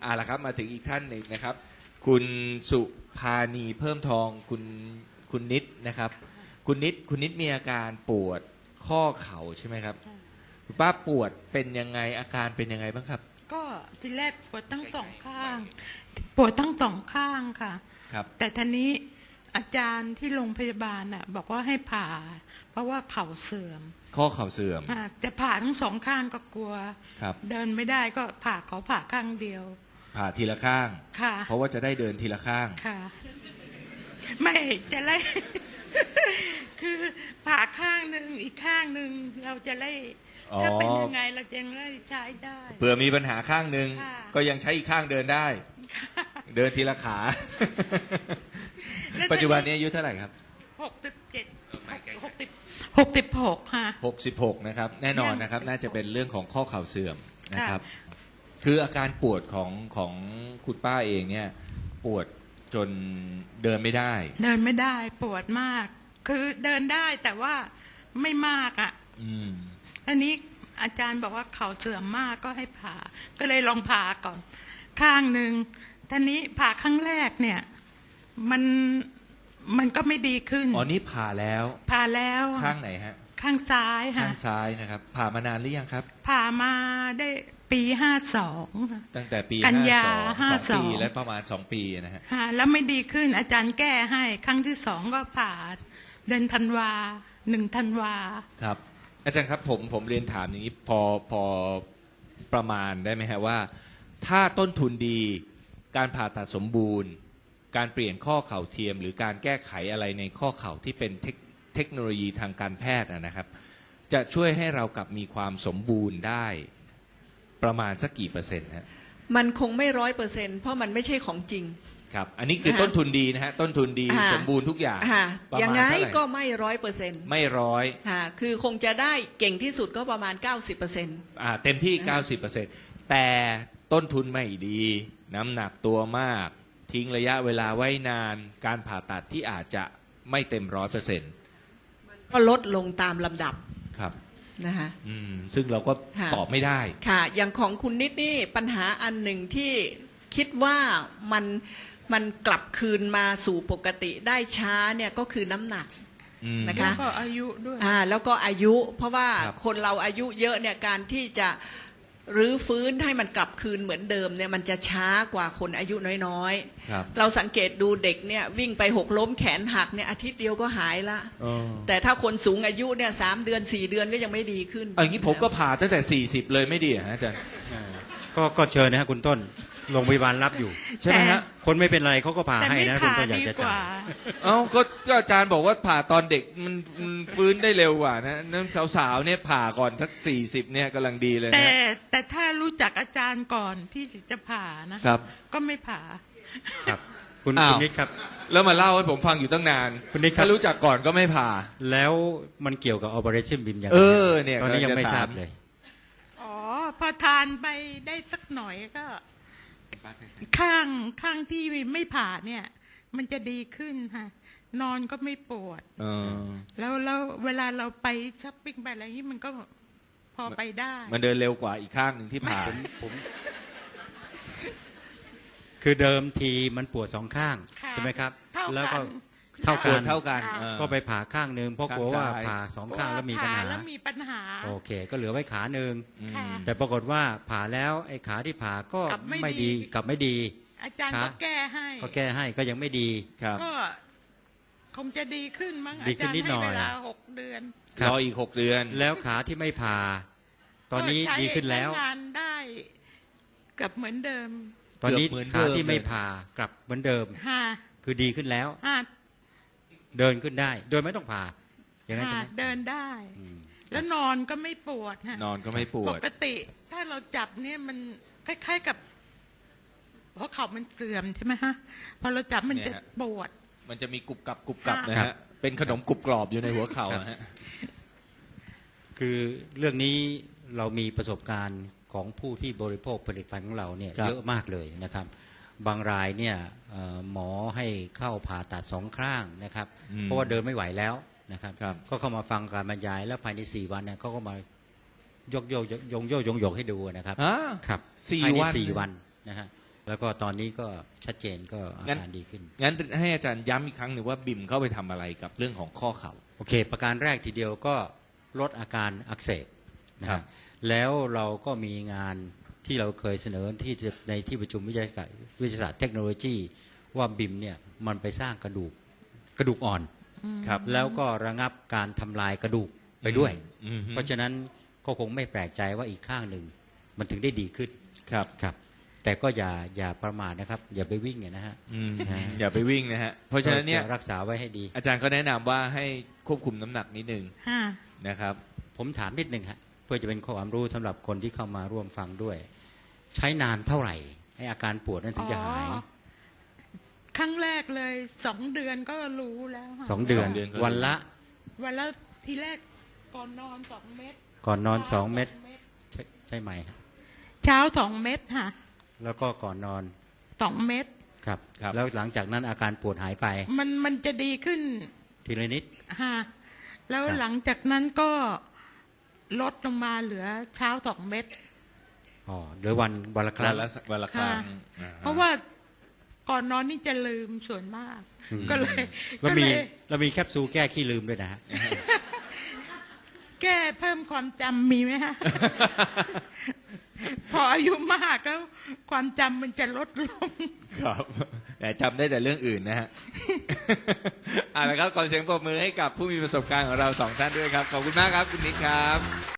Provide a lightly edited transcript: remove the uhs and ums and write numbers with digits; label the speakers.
Speaker 1: ละครับมาถึงอีกท่านหนึ่งนะครับคุณสุภานีเพิ่มทองคุณนิดนะครับคุณนิดมีอาการปวดข้อเข่าใช่ไหมครับคุณป้าปวดเป็นยังไงอาการเป็นยังไงบ้างครับ
Speaker 2: ก็ทีแรกปวดทั้งสองข้างปวดทั้งสองข้างค่ะ
Speaker 1: ครับ
Speaker 2: แต่ทีนี้อาจารย์ที่โรงพยาบาลน่ะบอกว่าให้ผ่าเพราะว่าเข่าเสื่อม
Speaker 1: ข้อเข่าเสื่อม
Speaker 2: แต่ผ่าทั้งสองข้างก็กลัวเดินไม่ได้ก็ผ่าข้างเดียว
Speaker 1: ผ่าทีละข้าง
Speaker 2: ค่ะ
Speaker 1: เพราะว่าจะได้เดินทีละข้าง
Speaker 2: ค่ะไม่จะไล่ คือผ่าข้างหนึ่งอีกข้างหนึ่งเราจะไล่ถ้าเป็นยังไงเราจะไล่ใช้ได้
Speaker 1: เผื่อมีปัญหาข้างหนึ่งก็ยังใช้อีกข้างเดินได้เดินทีละขาปัจจุบันนี้อายุเท่าไหร่ครับ
Speaker 2: 66ค่ะ
Speaker 1: 66นะครับแน่นอนนะครับน่าจะเป็นเรื่องของข้อเข่าเสื่อมนะครับคืออาการปวดของคุณป้าเองเนี่ยปวดจนเดินไม่ได้
Speaker 2: ปวดมากคือเดินได้แต่ว่าไม่มากอ่ะอันนี้อาจารย์บอกว่าเข่าเสื่อมมากก็ให้ผ่าก็เลยลองผ่าก่อนข้างหนึ่งทีนี้ผ่าครั้งแรกเนี่ยมันก็ไม่ดีขึ้น
Speaker 1: อ๋อนี่ผ่าแล้วข้างไหนฮะ
Speaker 2: ข้างซ้ายค่ะ
Speaker 1: ข้างซ้ายนะครับผ่ามานานหรือยังครับ
Speaker 2: ผ่ามาได้ปี52
Speaker 1: ตั้งแต่ปี
Speaker 2: กันยา
Speaker 1: 52 ปีและประมาณ2 ปีนะฮะ
Speaker 2: แล้วไม่ดีขึ้นอาจารย์แก้ให้ครั้งที่2ก็ผ่าเดือนธันวา1 ธันวา
Speaker 1: ครับอาจารย์ครับผมเรียนถามอย่างนี้พอประมาณได้ไหมฮะว่าถ้าต้นทุนดีการผ่าตัดสมบูรณ์การเปลี่ยนข้อเข่าเทียมหรือการแก้ไขอะไรในข้อเข่าที่เป็นเทคโนโลยีทางการแพทย์นะครับจะช่วยให้เรากลับมีความสมบูรณ์ได้ประมาณสักกี่เปอร์เซ็นต์ฮะ
Speaker 3: มันคงไม่100%เพราะมันไม่ใช่ของจริง
Speaker 1: ครับอันนี้คือต้นทุนดีนะฮะต้นทุนดีสมบูรณ์ทุกอย่าง
Speaker 3: อย่างไรก็ไม่100%
Speaker 1: ไม่
Speaker 3: คือคงจะได้เก่งที่สุดก็ประมาณ 90%
Speaker 1: เต็มที่ 90%แต่ต้นทุนไม่ดีน้ำหนักตัวมากทิ้งระยะเวลาไว้นานการผ่าตัดที่อาจจะไม่เต็ม 100%
Speaker 3: ก็ลดลงตามลำดับ
Speaker 1: ครับ
Speaker 3: นะคะ
Speaker 1: ซึ่งเราก็ตอบไม่ได้
Speaker 3: ค่ะอย่างของคุณนิดนี่ปัญหาอันหนึ่งที่คิดว่ามันกลับคืนมาสู่ปกติได้ช้าเนี่ยก็คือน้ำหนักนะคะ
Speaker 2: แล้วก็อายุด้วย
Speaker 3: แล้วก็อายุเพราะว่าคนเราอายุเยอะเนี่ยการที่จะรื้อฟื้นให้มันกลับคืนเหมือนเดิมเนี่ยมันจะช้ากว่าคนอายุน้อยๆเราสังเกตดูเด็กเนี่ยวิ่งไปหกล้มแขนหักเนี่ยอาทิตย์เดียวก็หายละแต่ถ้าคนสูงอายุเนี่ย3 เดือน 4 เดือนก็ยังไม่ดีขึ้น
Speaker 1: อย่างนี้ผมก็ผ่าตั้งแต่40เลยไม่ดีฮะอาจารย์
Speaker 4: ก็เชิญนะฮะคุณต้นโรงพยาบาลรับอยู่
Speaker 1: ใช่ไหมฮะ
Speaker 4: คนไม่เป็นไรเขาก็ผ่าให้นะคุณต้นอยากจะจ่าย
Speaker 1: ก็อาจารย์บอกว่าผ่าตอนเด็กมันฟื้นได้เร็วกว่านะนั่นสาวๆเนี่ยผ่าก่อนสัก40เนี่ยกำลังดีเลยนะ
Speaker 2: แต่ถ้ารู้จักอาจารย์ก่อนที่จะผ่านะครับก็ไม่ผ่า
Speaker 4: ครับคุณนิดครับ
Speaker 1: แล้วมาเล่าให้ผมฟังอยู่ตั้งนาน
Speaker 4: คุณนิด
Speaker 1: ถ้ารู้จักก่อนก็ไม่ผ่า
Speaker 4: แล้วมันเกี่ยวกับ Operation BIM อย่างไร
Speaker 1: เนี่ย
Speaker 4: ตอนนี้ยังไม่ทราบเลย
Speaker 2: พอทานไปได้สักหน่อยก็ข้างที่ไม่ผ่าเนี่ยมันจะดีขึ้นค่ะนอนก็ไม่ปวดแล้วเวลาเราไปช้อปปิ้งไปอะไรนี่มันก็พอไปได้
Speaker 1: มันเดินเร็วกว่าอีกข้างหนึ่งที่ผ่า
Speaker 4: ผมคือเดิมทีมันปวด2 ข้างใช่ไหมครับแล้วก็เท่ากันก็ไปผ่าข้างนึงเพราะกลัวว่าผ่า2 ข้างแล้วมีปัญหาโอเคก็เหลือไว้ขานึงแต่ปรากฏว่าผ่าแล้วไอ้ขาที่ผ่าก็ไม่ดีกลับไม่ดี
Speaker 2: อาจารย์ก็แก้
Speaker 4: ให้ก็ยังไม่ดี
Speaker 2: ก็คงจะดีขึ้นมั้งอาจารย์ให้เวลา6 เดือน
Speaker 1: รออีก6 เดือน
Speaker 4: แล้วขาที่ไม่ผ่าตอนนี้ดีขึ้นแล้ว
Speaker 2: งานได้กลับเหมือนเดิม
Speaker 4: ตอนนี้ขาที่ไม่ผ่ากลับเหมือนเดิมคือดีขึ้นแล้วเดินขึ้นได้โดยไม่ต้องผ่าอย่างนั้นใช่ไหม
Speaker 2: เดินได้แล้วนอนก็ไม่ปวด
Speaker 1: นอนก็ไม่ปวด
Speaker 2: ปกติถ้าเราจับเนี่ยมันคล้ายๆกับเพราะเขามันเสื่อมใช่ไหมฮะพอเราจับมันจะปวด
Speaker 1: มันจะมีกรุบกรับนะฮะเป็นขนมกรุบกรอบอยู่ในหัวเข่าฮะ
Speaker 4: คือเรื่องนี้เรามีประสบการณ์ของผู้ที่บริโภคผลิตภัณฑ์ของเราเนี่ยเยอะมากเลยนะครับบางรายเนี่ยหมอให้เข้าผ่าตัด2 ข้างนะครับเพราะว่าเดินไม่ไหวแล้วนะครับก็เข้ามาฟังการบรรยายแล้วภายใน4 วันเนี่ยเขาก็มายกให้ดูนะครับครับภายใน4 วันนะฮะแล้วก็ตอนนี้ก็ชัดเจนก็อาการดีขึ้น
Speaker 1: งั้นให้อาจารย์ย้ำอีกครั้งหนึ่งว่าบิมเข้าไปทำอะไรกับเรื่องของข้อเข่า
Speaker 4: โอเค ประการแรกทีเดียวก็ลดอาการอักเสบนะครับ แล้วเราก็มีงานที่เราเคยเสนอในที่ประชุมวิทยาศาสตร์เทคโนโลยีว่าบิมเนี่ยมันไปสร้างกระดูกอ่อน
Speaker 1: ครับ
Speaker 4: แล้วก็ระงับการทำลายกระดูกไปด้วย
Speaker 1: อืม
Speaker 4: เพราะฉะนั้นก็คงไม่แปลกใจว่าอีกข้างหนึ่งมันถึงได้ดีขึ้น
Speaker 1: ครับ
Speaker 4: ครับแต่ก็อย่าประมาทนะครับ อย่าไปวิ่งนะฮะ
Speaker 1: อย่าไปวิ่งนะฮะเพราะฉะนั้นเนี่ย
Speaker 4: ก็รักษาไว้ให้ดี
Speaker 1: อาจารย์ก็แนะนำว่าให้ควบคุมน้ำหนักนิดนึง
Speaker 2: ค่ะ
Speaker 1: นะครับ
Speaker 4: ผมถามนิดนึงฮะเพื่อจะเป็นความรู้สำหรับคนที่เข้ามาร่วมฟังด้วย ใช้นานเท่าไหร่ให้อาการปวดนั้นถึงจะหาย
Speaker 2: อ๋อ ครั้งแรกเลย2 เดือนก็รู้แล้วค่ะ
Speaker 4: 2 เดือน
Speaker 1: 2 เดือนก็
Speaker 4: วันละ
Speaker 2: วันละทีแรกก่อนนอน2 เม็ด
Speaker 4: ก่อนนอน2 เม็ดใช่ไหมฮะ
Speaker 2: เช้า2 เม็ดค่ะ
Speaker 4: แล้วก็ก่อนนอน
Speaker 2: 2 เม็ด
Speaker 4: ครับ
Speaker 1: ครับ
Speaker 4: แล้วหลังจากนั้นอาการปวดหายไป
Speaker 2: มันจะดีขึ้น
Speaker 4: ทีละนิด
Speaker 2: ค่ะแล้ว
Speaker 4: ครับ
Speaker 2: หลังจากนั้นก็ลดลงมาเหลือเช้า2 เม็ด
Speaker 4: อ๋อเหลือวันละครั้ง
Speaker 1: วันละครั้ง
Speaker 2: ค่ะ
Speaker 1: อ่าฮะ
Speaker 2: เพราะว่าก่อนนอนนี่จะลืมส่วนมาก
Speaker 4: อืม
Speaker 2: ก็เลย
Speaker 4: แล้วมีแคปซูลแก้ขี้ลืมด้วยนะฮะ
Speaker 2: แก้เพิ่มความจำมีไหมฮะ พออายุมากแล้ว ความจำมันจะลดลง
Speaker 1: ครับแต่จำได้แต่เรื่องอื่นนะฮะ เอาละครับขอเสียงปรบมือให้กับผู้มีประสบการณ์ของเรา2 ท่านด้วยครับ ขอบคุณมากครับคุณนิกครับ